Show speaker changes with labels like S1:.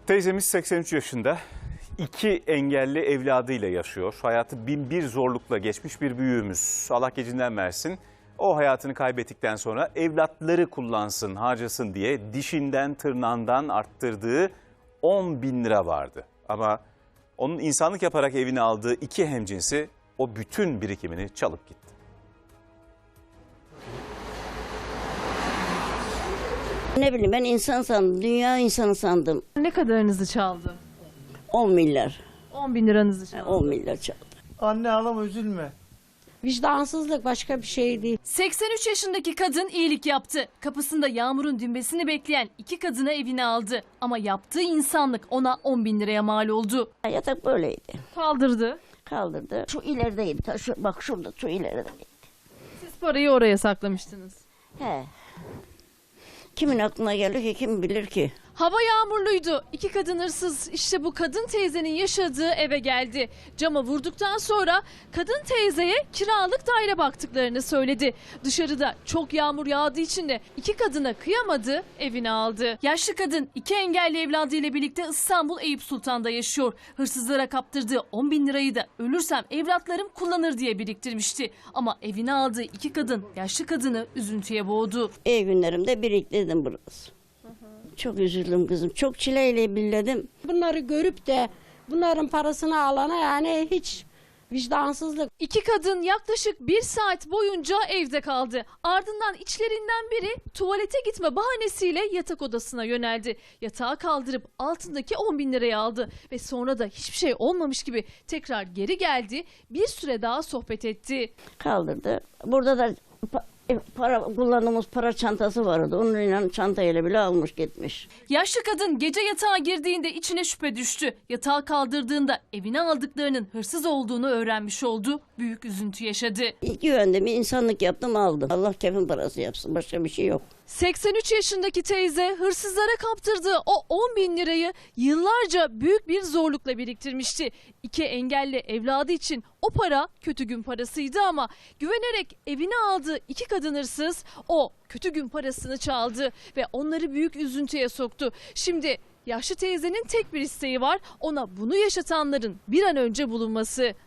S1: Teyzemiz 83 yaşında. 2 engelli evladıyla yaşıyor. Hayatı bin bir zorlukla geçmiş bir büyüğümüz. Allah gecinden versin. O hayatını kaybettikten sonra evlatları kullansın, harcasın diye dişinden tırnağından arttırdığı 10.000 lira vardı. Ama onun insanlık yaparak evine aldığı 2 hemcinsi o bütün birikimini çalıp gitti.
S2: Ne bileyim, ben insan sandım, dünya insanı sandım.
S3: Ne kadarınızı çaldı?
S2: 10 milyar,
S3: 10.000 liranızı çaldı.
S2: 10 milyar çaldı.
S4: Anne ağlama, üzülme.
S5: Vicdansızlık, başka bir şey değil.
S6: 83 yaşındaki kadın iyilik yaptı. Kapısında Yağmur'un düğmesini bekleyen 2 kadını evine aldı. Ama yaptığı insanlık ona 10.000 liraya mal oldu.
S2: Yatak böyleydi.
S3: Kaldırdı.
S2: Kaldırdı. Şu ilerideydi. Bak şurada, şu ilerideydi.
S3: Siz parayı oraya saklamıştınız.
S2: He. Kimin aklına gelir ki, kim bilir ki?
S6: Hava yağmurluydu. 2 kadın hırsız işte bu kadın teyzenin yaşadığı eve geldi. Cama vurduktan sonra kadın teyzeye kiralık daire baktıklarını söyledi. Dışarıda çok yağmur yağdığı için de 2 kadına kıyamadı, evine aldı. Yaşlı kadın 2 engelli evladıyla birlikte İstanbul Eyüp Sultan'da yaşıyor. Hırsızlara kaptırdığı 10.000 lirayı da ölürsem evlatlarım kullanır diye biriktirmişti. Ama evine aldığı 2 kadın yaşlı kadını üzüntüye boğdu.
S2: İyi günlerimde biriktirdim burası. Çok üzüldüm kızım. Çok çileyle billedim.
S5: Bunları görüp de bunların parasını alana yani hiç vicdansızlık.
S6: 2 kadın yaklaşık 1 saat boyunca evde kaldı. Ardından içlerinden biri tuvalete gitme bahanesiyle yatak odasına yöneldi. Yatağı kaldırıp altındaki 10.000 lirayı aldı ve sonra da hiçbir şey olmamış gibi tekrar geri geldi. Bir süre daha sohbet etti.
S2: Kaldırdı. Burada da kullandığımız para çantası vardı. Onunla çantayla bile almış gitmiş.
S6: Yaşlı kadın gece yatağa girdiğinde içine şüphe düştü. Yatağı kaldırdığında evine aldıklarının hırsız olduğunu öğrenmiş oldu. Büyük üzüntü yaşadı.
S2: Güvendim, insanlık yaptım, aldım. Allah kefin parası yapsın, başka bir şey yok.
S6: 83 yaşındaki teyze hırsızlara kaptırdığı o 10.000 lirayı yıllarca büyük bir zorlukla biriktirmişti. 2 engelli evladı için o para kötü gün parasıydı ama güvenerek evine aldığı 2 kadın hırsız o kötü gün parasını çaldı ve onları büyük üzüntüye soktu. Şimdi yaşlı teyzenin tek bir isteği var, ona bunu yaşatanların bir an önce bulunması.